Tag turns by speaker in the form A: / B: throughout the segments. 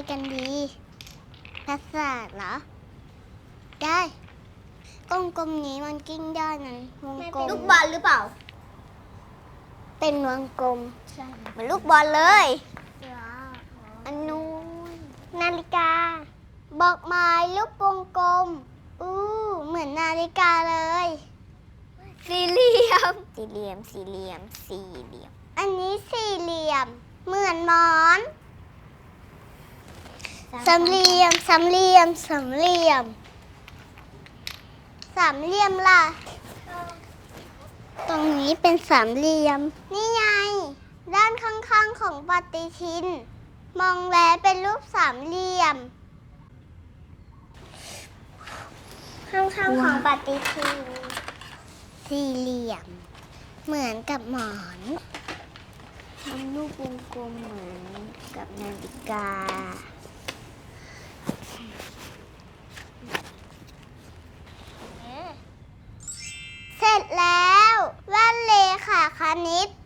A: กันดีภาษาสตร์เหรอได้กลมๆนี้มันกิ้งได้นั้นวงกลม
B: ลูกบอลหรือเปล่า
A: เป็นวงกลม
B: เหมือนลูกบอลเลย
A: อันนู้นนาฬิกาบอกหมายลูกวงกลมเหมือนนาฬิกาเลย
B: สี่เหลี่ยม
A: อันนี้สี่เหลี่ยมเหมือนหมอนสามเหลี่ยมล่ะตรงนี้เป็นสามเหลี่ยมนี่ไงด้านข้างๆของปฏิทินมองแล้วเป็นรูปสามเหลี่ยมข้างๆของปฏิทินสี่เหลี่ยมเหมือนกับหมอน
B: ทำรูปวงกลมเหมือนกับนาฬิกา
A: เสร็จแล้วแว่นเลขาคณิต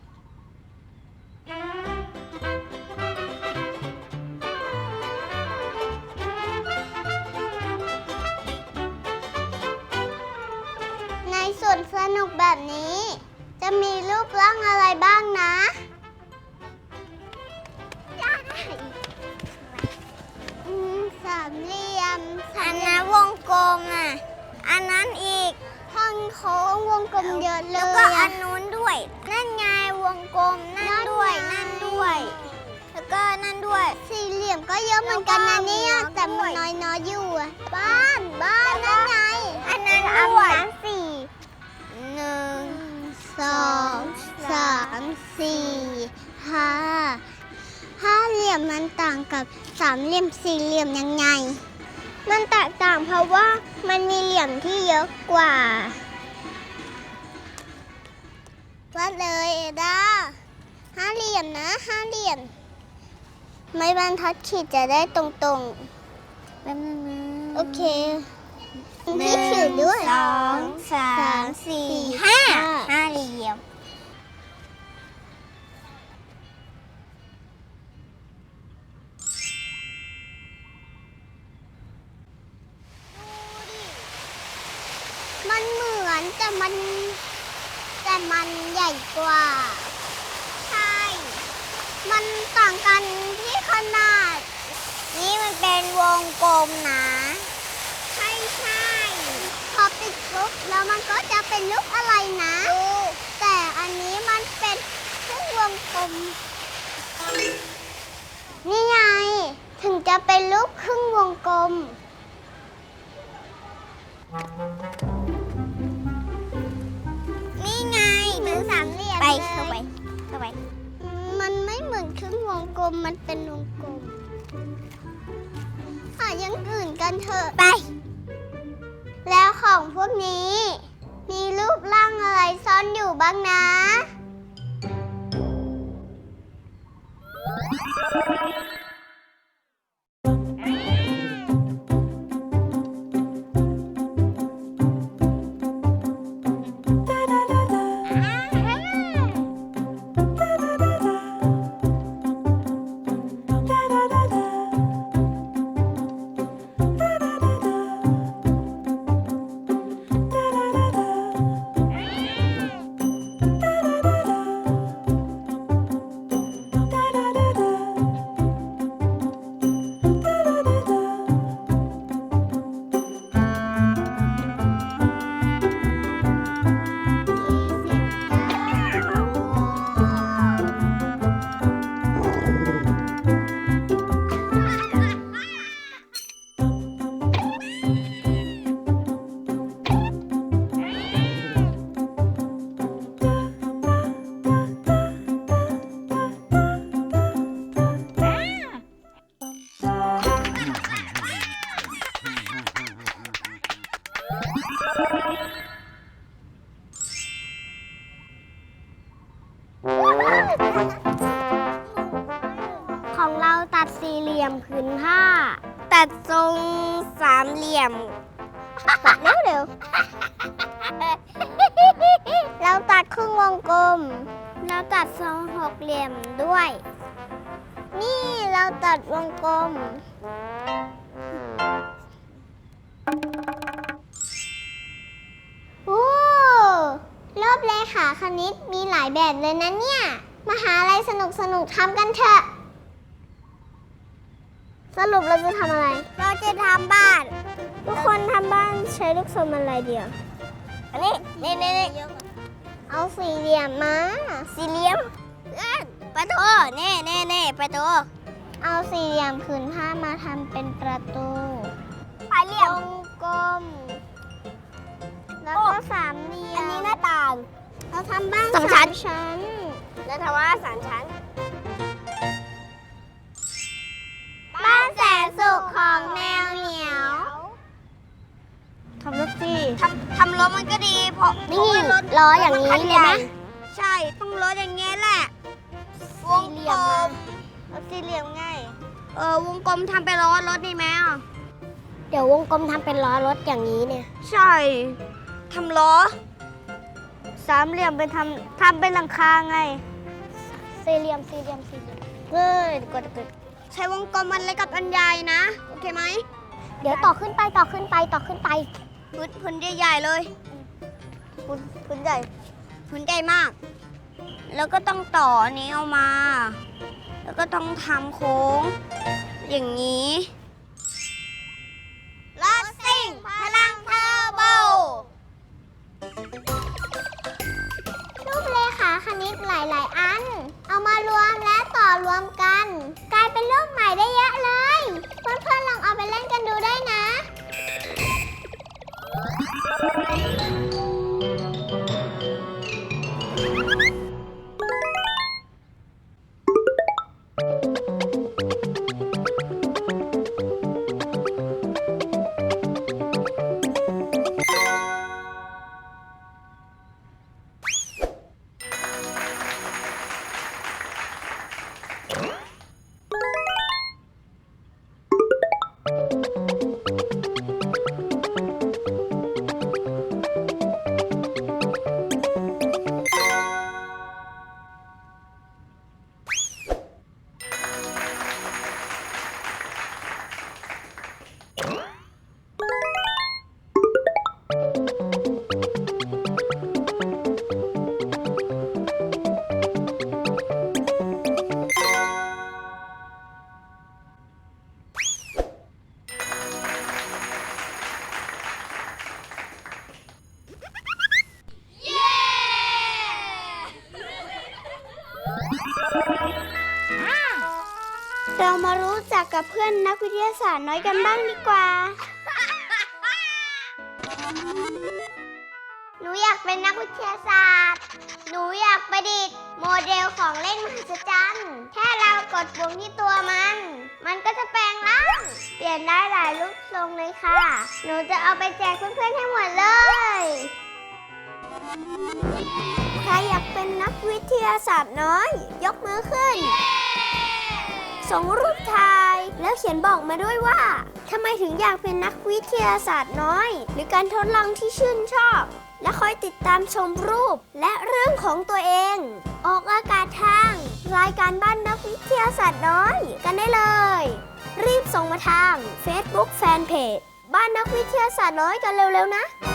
A: ในสวนสนุกแบบนี้จะมีรูปร่างอะไรบ้างนะสามเหลี่ยม
B: อันนั้นวงกลมอ่ะอันนั้นอีก
A: ห้องโค้งวงกลมเยอะเลย
B: แล้วก็อันนู้นด้วยนั่นไงวงกลมนั่นด้วยแล้วก็นั่นด้วย
A: สี่เหลี่ยมก็เยอะเหมือนกันนะเนี่ยแต่มันน้อยอยู่บ้านนั่นไง
B: อันนั้นด้วย
A: สี่1 2 3 4 5เหลี่ยมมันต่างกับสามเหลี่ยมสี่เหลี่ยมยังไงมันแตกต่างเพราะว่ามันมีเหลี่ยมที่เยอะกว่าวัดเลยเอดาห้าเหลี่ยมนะ5 เหลี่ยมไม้บรรทัดขีดจะได้ตรง
B: แป๊บนึงนะ
A: โอเคที่ขีดด้วย
B: 2 3 4 5เหลี่ยม
A: มันเหมือนแต่มันใหญ่กว่า
B: ใช่
A: มันต่างกันที่ขนาด
B: นี่มันเป็นวงกลมนะ
A: ใช่พอปิดปุ๊บแล้วมันก็จะเป็นรูปอะไรนะแต่อันนี้มันเป็นครึ่งวงกลมนี่ไงถึงจะเป็นรูปครึ่งวงกลม
B: นี่ไง
A: เหมือนสามเหลี่ยม
B: เข้าไป
A: มันไม่เหมือนครึ่งวงกลมมันเป็นวงกลมหาอย่างอื่นกันเถอะ
B: ไป
A: แล้วของพวกนี้มีรูปร่างอะไรซ่อนอยู่บ้างนะของเราตัดสี่เหลี่ยมผืนผ้า
B: ตัดทรงสามเหลี่ยม
A: ตัดเร็วเราตัดครึ่งวงกลมเราตัดทรงหกเหลี่ยมด้วยนี่เราตัดวงกลมขาคณิตมีหลายแบบเลยนะเนี่ย มาหาอะไรสนุกทำกันเถอะ สรุปเราจะทำอะไร
B: เราจะทำบ้าน
A: ทุกคนทำบ้านใช้ลูกทรงอะไรเดียว
B: อันนี้นี่
A: เอาสี่เหลี่ยมมา
B: สี่เหลี่ยมประตูนี่ประตู
A: เอาสี่เหลี่ยมผืนผ้ามาทำเป็นประตู
B: ปลายเหลี่ยม
A: วงกลม แล้วก็สามเหลี่ยม
B: อันนี้หน้าต่าง
A: เราทำบ้าน
B: สองชั้น
A: ชั้น
B: แล้วทำว่าสามชั้น
A: บ้านแสนสุขของแมวเหมียว ทำรถสิ
B: ทำรถมันก็ดีเพราะ
A: นี่
B: รถ
A: ล้ออย่างนี้เลยนะ
B: ใช่ต้องรถอย่างเงี้ยแหละวงกลม
A: เอาสี่เหลี่ยมง่ายว
B: งกลมทำเป็นล้อรถดีไหมอ่ะ
A: เดี๋ยววงกลมทำเป็นล้อรถอย่างนี้เนี่ย
B: ใช่ทำล้อ
A: สามเหลี่ยมเป็นทำเป็นหลังคาไง สี่เหลี่ยมเกิด
B: ใช้วงกลมมันเล็กกับอันใหญ่นะ โอเคไหม
A: เดี๋ยวต่อขึ้นไป
B: พื้นใหญ่ๆเลย
A: พื้นใหญ่
B: พื้นใหญ่มาก แล้วก็ต้องต่ออันนี้ออกมา แล้วก็ต้องทำโค้ง อย่างนี้รถซิ่งพลังเทอร์โบ
A: รูปเลขาคณิตหลาย ๆ อัน เอามารวมและต่อรวมกัน กลายเป็นรูปใหม่ได้เยอะเลย เพื่อนๆลองเอาไปเล่นกันดูได้นะ เรามารู้จักกับเพื่อนนักวิทยาศาสตร์น้อยกันบ้างดีกว่า หนูอยากเป็นนักวิทยาศาสตร์ หนูอยากประดิษฐ์โมเดลของเล่นมหัศจรรย์ แค่เรากดปุ่มที่ตัวมันก็จะแปลงร่าง เปลี่ยนได้หลายรูปทรงเลยค่ะ หนูจะเอาไปแจกเพื่อนๆให้หมดเลย ใครอยากเป็นนักวิทยาศาสตร์น้อย ยกมือขึ้น ส่งรูปถ่ายแล้วเขียนบอกมาด้วยว่าทำไมถึงอยากเป็นนักวิทยาศาสตร์น้อย หรือการทดลองที่ชื่นชอบ และคอยติดตามชมรูปและเรื่องของตัวเอง ออกอากาศทางรายการบ้านนักวิทยาศาสตร์น้อยกันได้เลย รีบส่งมาทาง Facebook Fanpage บ้านนักวิทยาศาสตร์น้อยกันเร็วๆนะ